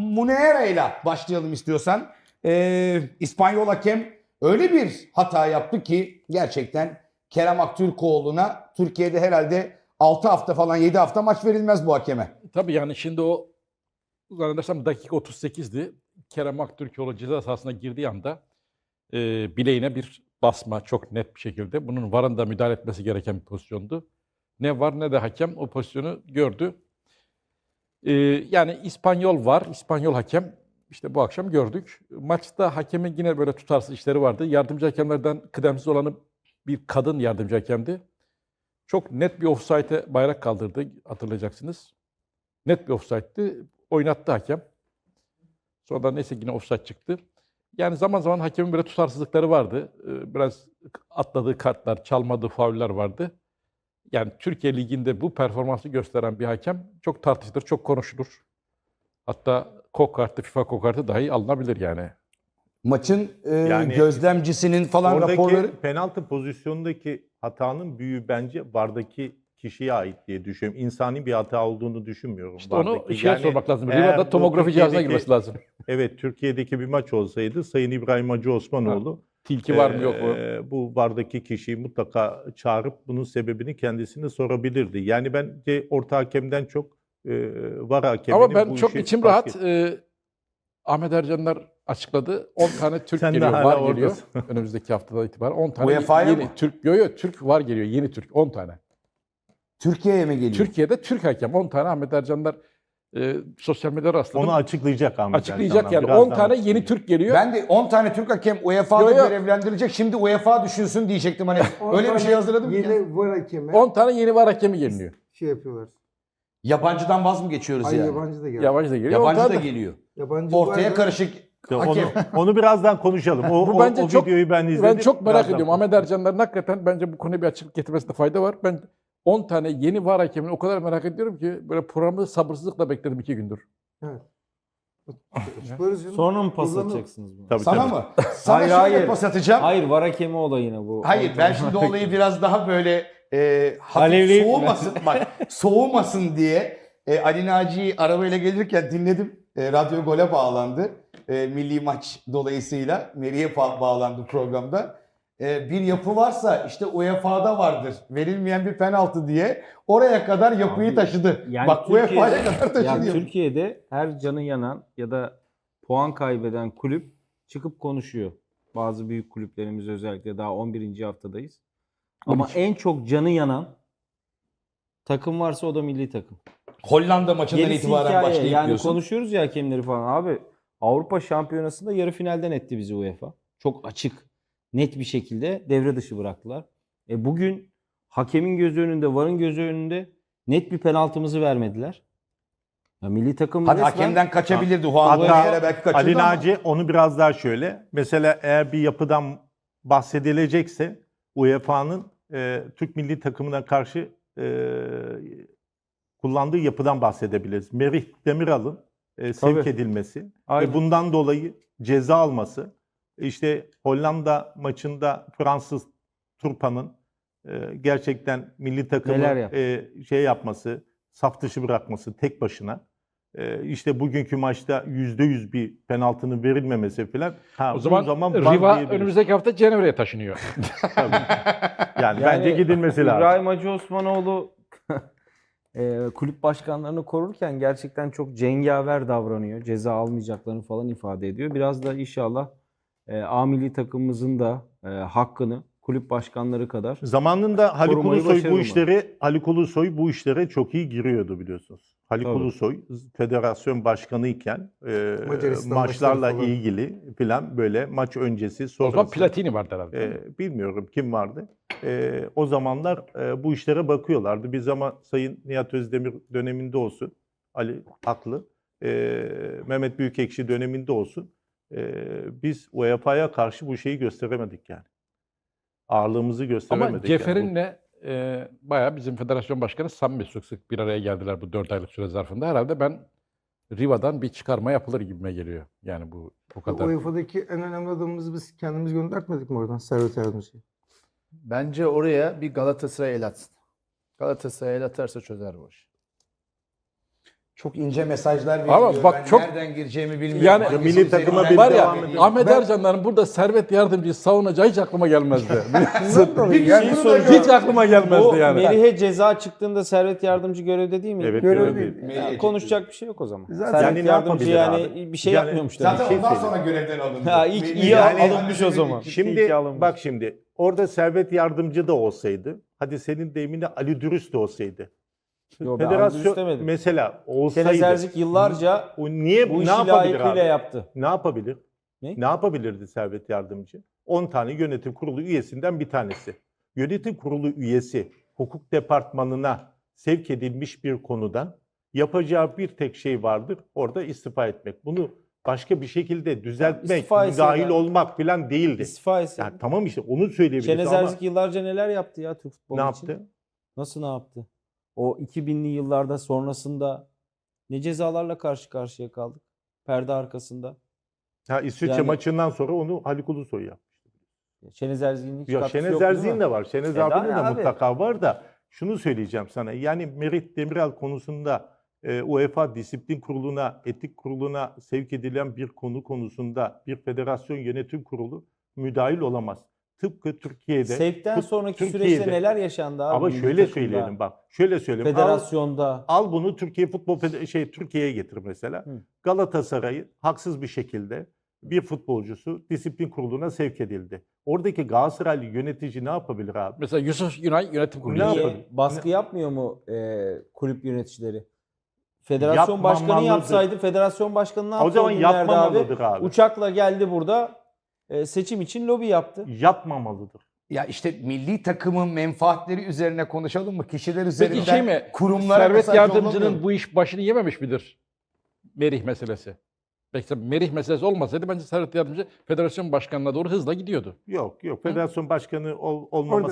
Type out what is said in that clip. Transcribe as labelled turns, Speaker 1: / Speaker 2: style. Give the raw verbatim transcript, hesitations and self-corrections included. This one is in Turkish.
Speaker 1: Munera ile başlayalım istiyorsan. Ee, İspanyol hakem öyle bir hata yaptı ki gerçekten Kerem Aktürkoğlu'na Türkiye'de herhalde altı hafta falan yedi hafta maç verilmez bu hakeme.
Speaker 2: Tabii yani şimdi o zannedersem dakika otuz sekizdi. Kerem Aktürkoğlu ceza sahasına girdiği anda e, bileğine bir basma çok net bir şekilde. Bunun VAR'ın da müdahale etmesi gereken bir pozisyondu. Ne VAR ne de hakem o pozisyonu gördü. E, yani İspanyol VAR, İspanyol hakem işte bu akşam gördük. Maçta hakemin yine böyle tutarsız işleri vardı. Yardımcı hakemlerden kıdemsiz olanı bir kadın yardımcı hakemdi. Çok net bir offside'e bayrak kaldırdı hatırlayacaksınız. Net bir offside'di. Oynattı hakem. Sonra neyse yine offside çıktı. Yani zaman zaman hakemin böyle tutarsızlıkları vardı. Biraz atladığı kartlar, çalmadığı fauller vardı. Yani Türkiye Ligi'nde bu performansı gösteren bir hakem çok tartışılır, çok konuşulur. Hatta kok kartı, FIFA kok kartı dahi alınabilir yani.
Speaker 1: Maçın e,
Speaker 3: Yani
Speaker 1: gözlemcisinin falan
Speaker 3: Oradaki
Speaker 1: raporları...
Speaker 3: penaltı pozisyonundaki hatanın büyüğü bence VAR'daki kişiye ait diye düşünüyorum. İnsani bir hata olduğunu düşünmüyorum.
Speaker 2: İşte onu
Speaker 3: VAR'daki.
Speaker 2: şeye
Speaker 3: Yani
Speaker 2: sormak lazım.
Speaker 3: eğer
Speaker 2: Riva'da
Speaker 3: bu
Speaker 2: tomografi cihazına
Speaker 3: Türkiye'deki-
Speaker 2: girmesi lazım.
Speaker 3: Evet, Türkiye'deki bir maç olsaydı Sayın İbrahim Hacı Osmanoğlu
Speaker 2: Tilki var mı yok mu?
Speaker 3: eee, bu VAR'daki kişiyi mutlaka çağırıp bunun sebebini kendisine sorabilirdi. Yani bence orta hakemden çok eee VAR hakeminin
Speaker 2: Ama ben
Speaker 3: bu
Speaker 2: çok
Speaker 3: işi
Speaker 2: içim
Speaker 3: fark
Speaker 2: rahat.
Speaker 3: etti.
Speaker 2: e, Ahmet Ercanlar açıkladı. on tane Türk
Speaker 3: Sen de
Speaker 2: geliyor,
Speaker 3: hala
Speaker 2: VAR geliyor.
Speaker 3: oradasın.
Speaker 2: Önümüzdeki haftadan itibaren on tane
Speaker 1: U E F A'ya
Speaker 2: yeni
Speaker 1: mı?
Speaker 2: Türk, yo yo Türk VAR geliyor, yeni Türk on tane.
Speaker 1: Türkiye'ye mi geliyor?
Speaker 2: Türkiye'de Türk hakem on tane. Ahmet Ercanlar e, sosyal medyada rastladım.
Speaker 3: Onu açıklayacak Ahmet
Speaker 2: Açıklayacak
Speaker 3: Ercan'dan.
Speaker 2: yani
Speaker 3: Birazdan
Speaker 2: on tane yeni
Speaker 3: açıklayacak.
Speaker 2: Türk geliyor.
Speaker 1: Ben de on tane Türk hakem U E F A'da
Speaker 2: Yo, yo.
Speaker 1: görevlendirilecek. Şimdi U E F A düşünsün diyecektim. Hani
Speaker 4: On
Speaker 1: öyle bir
Speaker 4: tane
Speaker 1: şey hazırladım ki.
Speaker 4: Yeni var hakemi
Speaker 2: on tane yeni VAR hakemi geliyor.
Speaker 4: şey yapıyorlar.
Speaker 1: Yabancıdan vaz mı geçiyoruz
Speaker 4: Ay
Speaker 1: yani?
Speaker 4: yabancı da geldi.
Speaker 2: Yabancı da geliyor. on
Speaker 1: Yabancı
Speaker 2: tane
Speaker 1: da
Speaker 2: de-
Speaker 1: geliyor.
Speaker 4: Yabancı
Speaker 1: Ortaya
Speaker 4: var.
Speaker 1: karışık
Speaker 3: İşte
Speaker 1: hakem.
Speaker 3: Onu, onu birazdan konuşalım. O,
Speaker 2: Bu
Speaker 3: o,
Speaker 2: bence
Speaker 3: o
Speaker 2: çok-
Speaker 3: videoyu ben izledim.
Speaker 2: Ben çok merak
Speaker 3: Birazdan
Speaker 2: ediyorum. Ahmet Ercanlar'ın hakikaten bence bu konuya bir açıklık getirmesinde fayda var. Ben on tane yeni VAR hakemini o kadar merak ediyorum ki böyle programı sabırsızlıkla bekledim iki gündür.
Speaker 4: Evet. Açıklarız canım.
Speaker 5: Sonra mı pas
Speaker 4: Kullanalım.
Speaker 5: atacaksınız bunu?
Speaker 3: Tabii,
Speaker 1: Sana
Speaker 3: tabii.
Speaker 1: mı? Sana
Speaker 5: Hayır,
Speaker 1: şöyle
Speaker 5: hayır.
Speaker 1: pas atacağım. Hayır,
Speaker 5: Hayır, var hakemi olayına bu.
Speaker 1: ben şimdi olayı biraz daha böyle e, hafif
Speaker 5: Alevleyip mi?
Speaker 1: soğumasın, bak soğumasın diye e, Ali Naci'yi arabayla gelirken dinledim. E, Radyo Gol'e bağlandı. E, milli maç dolayısıyla Meri'ye fa- bağlandı programda. E, bir yapı varsa işte U E F A'da vardır. Verilmeyen bir penaltı diye oraya kadar yapıyı
Speaker 5: Abi,
Speaker 1: taşıdı.
Speaker 5: yani
Speaker 1: Bak U E F A'ya
Speaker 5: Türkiye'de-
Speaker 1: kadar taşıdı.
Speaker 5: Yani
Speaker 1: yapıyı.
Speaker 5: Türkiye'de her canı yanan ya da puan kaybeden kulüp çıkıp konuşuyor. Bazı büyük kulüplerimiz özellikle daha on birinci haftadayız. Ama
Speaker 2: on iki.
Speaker 5: en çok canı yanan takım varsa o da milli takım.
Speaker 1: Hollanda maçından
Speaker 5: Gerisi
Speaker 1: itibaren
Speaker 5: hikaye.
Speaker 1: başlayıp
Speaker 5: Yani
Speaker 1: diyorsun.
Speaker 5: konuşuyoruz ya hakemleri falan. Abi Avrupa Şampiyonası'nda yarı finalden etti bizi UEFA. Çok açık, net bir şekilde devre dışı bıraktılar. E bugün hakemin gözü önünde, VAR'ın gözü önünde net bir penaltımızı vermediler. Ya milli takım
Speaker 1: Hadi
Speaker 5: resmen-
Speaker 1: hakemden kaçabilirdi. Juan Guerrero
Speaker 3: Hatta
Speaker 1: belki kaçırdı
Speaker 3: Ali
Speaker 1: ama.
Speaker 3: Naci onu biraz daha şöyle. Mesela eğer bir yapıdan bahsedilecekse U E F A'nın e, Türk milli takımına karşı e, kullandığı yapıdan bahsedebiliriz. Merih Demiral'ın e, sevk
Speaker 5: Tabii.
Speaker 3: edilmesi
Speaker 5: Aynen.
Speaker 3: ve bundan dolayı ceza alması. İşte Hollanda maçında Fransız Turpa'nın e, gerçekten milli takımı
Speaker 5: Neler yaptı?
Speaker 3: e, şey yapması, saf dışı bırakması tek başına. E, işte bugünkü maçta yüzde yüz bir penaltının verilmemesi falan. Ha,
Speaker 2: O
Speaker 3: bu
Speaker 2: zaman,
Speaker 3: zaman
Speaker 2: Riva
Speaker 3: var diyebiliriz.
Speaker 2: önümüzdeki hafta Cenevre'ye taşınıyor.
Speaker 3: Tabii. Yani,
Speaker 5: Yani
Speaker 3: bence gidilmesi lazım.
Speaker 5: İbrahim Hacı Osmanoğlu e, kulüp başkanlarını korurken gerçekten çok cengaver davranıyor. Ceza almayacaklarını falan ifade ediyor. Biraz da inşallah e, A milli takımımızın da e, hakkını kulüp başkanları kadar
Speaker 3: Zamanında Haluk
Speaker 5: Korumayı
Speaker 3: Ulusoy bu
Speaker 5: başarılı mı?
Speaker 3: işlere Haluk Ulusoy bu işlere çok iyi giriyordu biliyorsunuz. Haluk
Speaker 5: Tabii.
Speaker 3: Ulusoy federasyon başkanı iken e,
Speaker 4: Macaristan
Speaker 3: maçlarla
Speaker 4: maçları falan.
Speaker 3: ilgili falan böyle maç öncesi
Speaker 2: O zaman
Speaker 3: sonrası.
Speaker 2: Platini vardı herhalde.
Speaker 3: e, bilmiyorum kim vardı. E, o zamanlar e, bu işlere bakıyorlardı. Bir zaman Sayın Nihat Özdemir döneminde olsun, Ali haklı, e, Mehmet Büyükekşi döneminde olsun. E, biz U E F A'ya karşı bu şeyi gösteremedik yani. Ağırlığımızı gösteremedik.
Speaker 2: Ama
Speaker 3: yani.
Speaker 2: Ceferin'le e, bayağı bizim federasyon başkanı samimi sık sık bir araya geldiler bu dört aylık süre zarfında. Herhalde ben Riva'dan bir çıkarma yapılır gibime geliyor. Yani bu bu kadar.
Speaker 4: U E F A'daki en önemli adamımızı biz kendimiz göndertmedik mi oradan? Servet Yardımcı'yı.
Speaker 6: Bence oraya bir Galatasaray el atsın. Galatasaray el atarsa çözer bu işi.
Speaker 1: çok ince mesajlar veriyor.
Speaker 2: Ama bak
Speaker 1: ben
Speaker 2: çok-
Speaker 1: nereden gireceğimi bilmiyorum.
Speaker 2: Yani-
Speaker 1: Hangisi
Speaker 3: Milli takıma
Speaker 1: üzerinden-
Speaker 3: bir
Speaker 2: Var ya
Speaker 3: devam edelim.
Speaker 2: Ahmet
Speaker 1: Ben-
Speaker 2: Ercan'ların burada Servet Yardımcı'yı savunacağı hiç aklıma gelmezdi.
Speaker 1: Bir
Speaker 4: Yani
Speaker 1: şey
Speaker 2: hiç aklıma gelmezdi
Speaker 5: Bu
Speaker 2: yani.
Speaker 5: Merih'e ceza çıktığında Servet Yardımcı görevde değil mi?
Speaker 3: Evet,
Speaker 4: Görev
Speaker 3: görev
Speaker 4: değil.
Speaker 5: Ya, konuşacak bir şey yok o zaman.
Speaker 4: Zaten-
Speaker 5: Servet
Speaker 3: Yani ne
Speaker 5: Yardımcı
Speaker 3: yapabilir
Speaker 5: yani
Speaker 3: abi?
Speaker 5: bir şey
Speaker 3: Yani-
Speaker 5: yapmıyormuş demek.
Speaker 1: Zaten
Speaker 3: şey
Speaker 1: ondan
Speaker 3: söyleyeyim.
Speaker 1: sonra görevden alındı.
Speaker 5: Ha, ilk iyi
Speaker 1: Yani-
Speaker 5: alınmış o zaman.
Speaker 3: Şimdi
Speaker 5: İki alınmış.
Speaker 3: bak şimdi orada Servet Yardımcı da olsaydı, hadi senin deyiminde Ali Dürüst de olsaydı.
Speaker 5: Yo, ben Ali Dürüst
Speaker 3: Federasyon
Speaker 5: demedim.
Speaker 3: mesela olsaydı.
Speaker 5: Şenez Erzik yıllarca
Speaker 3: o niye
Speaker 5: bu
Speaker 3: ne
Speaker 5: işi
Speaker 3: yapabilir
Speaker 5: layıkıyla
Speaker 3: abi?
Speaker 5: yaptı.
Speaker 3: Ne yapabilir?
Speaker 5: Ne?
Speaker 3: Ne yapabilirdi Servet Yardımcı? on tane yönetim kurulu üyesinden bir tanesi. Yönetim kurulu üyesi hukuk departmanına sevk edilmiş bir konudan yapacağı bir tek şey vardır. Orada istifa etmek. Bunu başka bir şekilde düzeltmek,
Speaker 5: istifa etse
Speaker 3: müdahil
Speaker 5: de-
Speaker 3: olmak falan değildi.
Speaker 5: İstifa etse.
Speaker 3: Yani tamam işte onu söyleyebiliriz
Speaker 5: Şenez
Speaker 3: ama
Speaker 5: Erzik yıllarca neler yaptı ya Türk futbolu
Speaker 3: ne
Speaker 5: için?
Speaker 3: yaptı?
Speaker 5: Nasıl ne yaptı? O iki binli yıllarda sonrasında ne cezalarla karşı karşıya kaldık? Perde arkasında.
Speaker 3: Ha, İsviçre
Speaker 5: Yani-
Speaker 3: maçından sonra onu Haluk Ulusoy yaptı.
Speaker 5: Şenez Erzik'in hiç
Speaker 3: Ya
Speaker 5: katkısı
Speaker 3: Şenez
Speaker 5: yok değil mi?
Speaker 3: Erzik'in de var. Şenez
Speaker 5: E,
Speaker 3: abinin de
Speaker 5: daha ne abi?
Speaker 3: mutlaka var da şunu söyleyeceğim sana. Yani Merih Demiral konusunda e, UEFA Disiplin Kurulu'na, Etik Kurulu'na sevk edilen bir konu konusunda bir federasyon yönetim kurulu müdahil olamaz. Tıpkı Türkiye'de.
Speaker 5: Sevkten
Speaker 3: tıp-
Speaker 5: sonraki
Speaker 3: Türkiye'de-
Speaker 5: süreçte neler yaşandı abi?
Speaker 3: Ama
Speaker 5: milli
Speaker 3: şöyle
Speaker 5: takımda,
Speaker 3: söyleyelim bak. Şöyle söyleyelim. Al,
Speaker 5: Federasyonda.
Speaker 3: al bunu Türkiye Futbol Fede- şey Türkiye'ye getir mesela.
Speaker 5: Hı.
Speaker 3: Galatasaray'ı haksız bir şekilde bir futbolcusu disiplin kuruluna sevk edildi. Oradaki Galatasaraylı yönetici ne yapabilir abi?
Speaker 2: Mesela Yusuf Günay yönetim kurulu.
Speaker 3: Ne
Speaker 5: Niye?
Speaker 3: yapalım?
Speaker 5: Baskı yapmıyor mu e, kulüp yöneticileri? Federasyon başkanı
Speaker 3: Yapmamalıdır.
Speaker 5: yapsaydı federasyon başkanı ne yaptı?
Speaker 3: O zaman
Speaker 5: günlerde
Speaker 3: yapmamalıdır abi.
Speaker 5: Uçakla geldi burada e, seçim için lobi yaptı.
Speaker 3: Yapmamalıdır.
Speaker 1: Ya işte milli takımın menfaatleri üzerine konuşalım mı? Kişiler üzerinden
Speaker 2: Peki şey mi?
Speaker 1: kurumlara
Speaker 2: Servet
Speaker 1: mesaj
Speaker 2: Yardımcı'nın
Speaker 1: yollamıyor.
Speaker 2: bu iş başını yememiş midir? Merih meselesi. Belki Merih meselesi olmasaydı bence Servet Yardımcı federasyon başkanına doğru hızla gidiyordu.
Speaker 3: Yok yok. Federasyon başkanı ol, olmama
Speaker 4: Orada-